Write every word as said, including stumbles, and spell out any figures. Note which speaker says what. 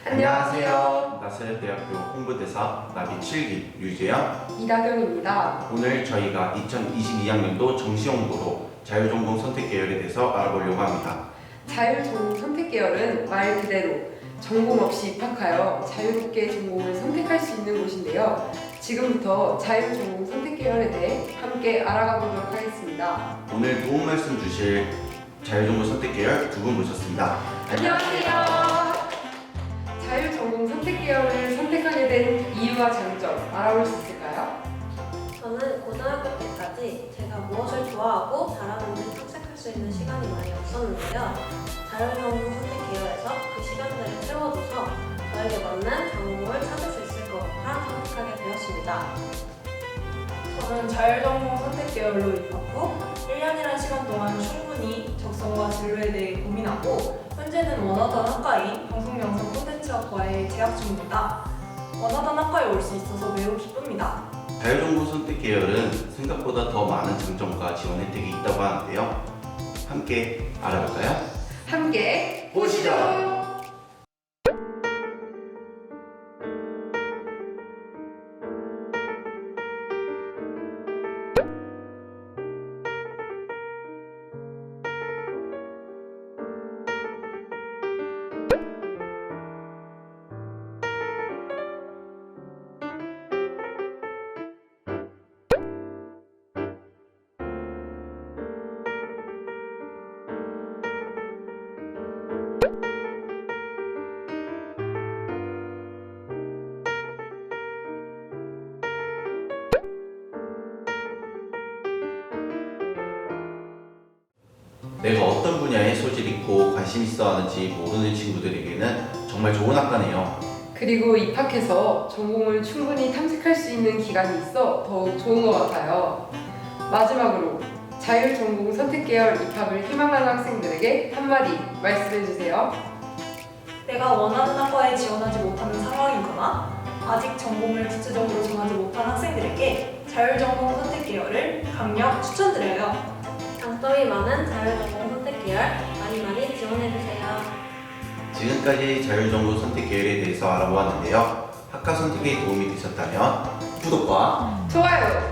Speaker 1: 안녕하세요.
Speaker 2: 나사렛대학교 홍보대사 나비 칠 기 류재현,
Speaker 1: 이다경입니다.
Speaker 2: 오늘 저희가 이천이십이 학년도 정시홍보로 자율전공 선택 계열에 대해서 알아보려고 합니다.
Speaker 1: 자율전공 선택 계열은 말 그대로 전공 없이 입학하여 자유롭게 전공을 선택할 수 있는 곳인데요. 지금부터 자율전공 선택 계열에 대해 함께 알아가 보도록 하겠습니다.
Speaker 2: 오늘 도움 말씀 주실 자율전공 선택 계열 두 분 모셨습니다.
Speaker 1: 안녕하세요. 자율전공 선택 계열을 선택하게 된 이유와 장점 알아볼 수 있을까요?
Speaker 3: 저는 고등학교 때까지 제가 무엇을 좋아하고 잘하는지 탐색할 수 있는 시간이 많이 없었는데요. 자율전공 선택 계열에서 그 시간들을 채워줘서 저에게 맞는 전공을 찾을 수 있을 것 같아 선택하게 되었습니다.
Speaker 4: 저는 자율전공 선택 계열로 입학 후 일 년이라는 시간 동안 충분히 적성과 진로에 대해 고민하고 현재는 원하던 학과인 방송영상 콘텐츠학과에 재학 중입니다. 원하던 학과에 올 수 있어서 매우 기쁩니다.
Speaker 2: 자율전공 선택 계열은 생각보다 더 많은 장점과 지원 혜택이 있다고 하는데요. 함께 알아볼까요?
Speaker 1: 함께
Speaker 2: 보시죠. 내가 어떤 분야에 소질 있고 관심 있어 하는지 모르는 친구들에게는 정말 좋은 학과네요.
Speaker 1: 그리고 입학해서 전공을 충분히 탐색할 수 있는 기간이 있어 더욱 좋은 것 같아요. 마지막으로 자율전공 선택 계열 입학을 희망하는 학생들에게 한마디 말씀해 주세요.
Speaker 4: 내가 원하는 학과에 지원하지 못하는 상황이거나 아직 전공을 구체적으로 정하지 못한 학생들에게 자율전공 선택 계열을 강력 추천드려요.
Speaker 3: 장점이 많은 자율전공 선택 계열 많이 많이 지원해주세요.
Speaker 2: 지금까지 자율전공 선택 계열에 대해서 알아보았는데요. 학과 선택에 도움이 되셨다면 구독과
Speaker 1: 좋아요